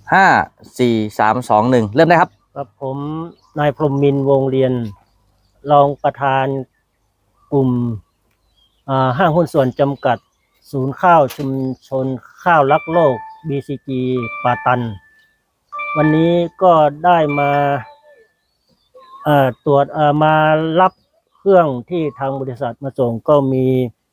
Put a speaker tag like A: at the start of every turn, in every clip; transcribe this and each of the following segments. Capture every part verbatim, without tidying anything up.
A: ห้าสี่สามสองหนึ่งเริ่มได้ครับ
B: ครับผมนายพรหมมินทร์วงเรียนรองประธานกลุ่มห้างหุ้นส่วนจำกัดศูนย์ข้าวชุมชนข้าวรักโลก บี ซี จี ป่าตันวันนี้ก็ได้มาตรวจมารับเครื่องที่ทางบริษัทมาส่งก็มี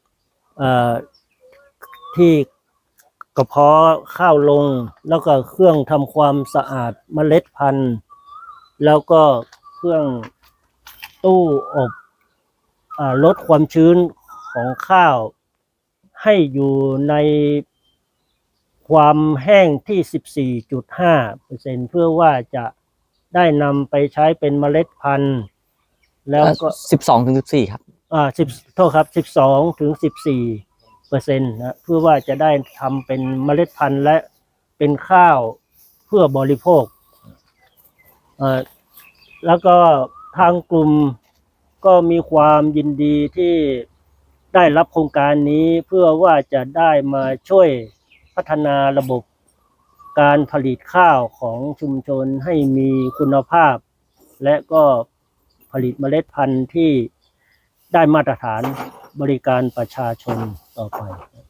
B: ที่กระเพาะข้าวลงแล้วก็เครื่องทำความสะอาดเมล็ดพันธุ์แล้วก็เครื่องตู้อบลดความชื้นของข้าวให้อยู่ในความแห้งที่ สิบสี่จุดห้าเปอร์เซ็นต์ เพื่อว่าจะได้นำไปใช้เป็นเมล็ดพันธุ์แล้วก็
A: สิบสองถึงสิบสี่ครับ
B: อ่าสิบโทษครับสิบสองถึงสิบสี่เปอร์เซ็นต์นะเพื่อว่าจะได้ทำเป็นเมล็ดพันธุ์และเป็นข้าวเพื่อบริโภคเอ่อแล้วก็ทางกลุ่มก็มีความยินดีที่ได้รับโครงการนี้เพื่อว่าจะได้มาช่วยพัฒนาระบบการผลิตข้าวของชุมชนให้มีคุณภาพและก็ผลิตเมล็ดพันธุ์ที่ได้มาตรฐานบริการประชาชนต่อไป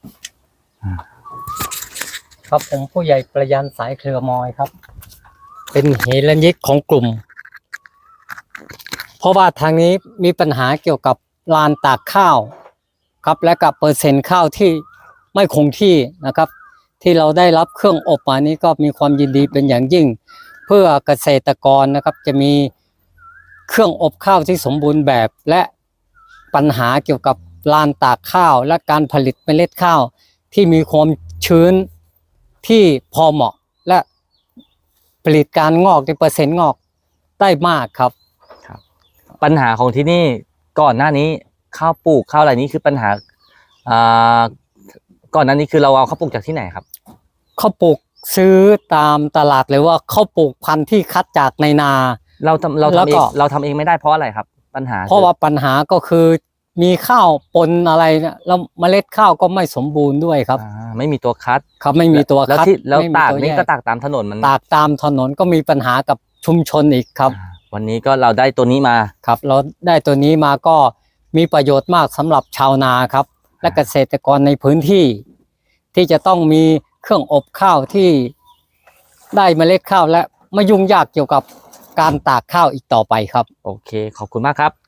C: ครับผมผู้ใหญ่ประยันสายเครือมอยครับเป็นเฮลัญยิกของกลุ่มเพราะว่าทางนี้มีปัญหาเกี่ยวกับลานตากข้าวครับและกับเปอร์เซ็นต์ข้าวที่ไม่คงที่นะครับที่เราได้รับเครื่องอบมานี้ก็มีความยินดีเป็นอย่างยิ่งเพื่อเกษตรกรนะครับจะมีเครื่องอบข้าวที่สมบูรณ์แบบและปัญหาเกี่ยวกับลานตากข้าวและการผลิตเมล็ดข้าวที่มีความชื้นที่พอเหมาะและผลิตการงอกในเปอร์เซ็นต์งอกได้มากครับ
A: ครับปัญหาของที่นี่ก่อนหน้านี้ข้าวปลูกข้าวอะไรนี้คือปัญหาอ่าก่อนหน้านี้คือเราเอาข้าวปลูกจากที่ไหนครับ
C: ข้าวปลูกซื้อตามตลาดเลยว่าข้าวปลูกพันธุ์ที่คัดจากในนา
A: เราทำเราทำเองเราทำเองไม่ได้เพราะอะไรครับปัญหา
C: เพราะว่าปัญหาก็คือมีข้าวปนอะไรเนี่ยแล้วเมล็ดข้าวก็ไม่สมบูรณ์ด้วยครับ
A: ไม่มีตัวคัด
C: ครับไม่มีตัวคัด
A: แล้วที่แล้วตากนี่ก็ตากตามถนนมัน
C: ตากตามถนนก็มีปัญหากับชุมชนอีกครับ
A: วันนี้ก็เราได้ตัวนี้มา
C: ครับเราได้ตัวนี้มาก็มีประโยชน์มากสำหรับชาวนาครับและเกษตรกรในพื้นที่ที่จะต้องมีเครื่องอบข้าวที่ได้เมล็ดข้าวและไม่ยุ่งยากเกี่ยวกับการตากข้าวอีกต่อไปครับ
A: โอเคขอบคุณมากครับ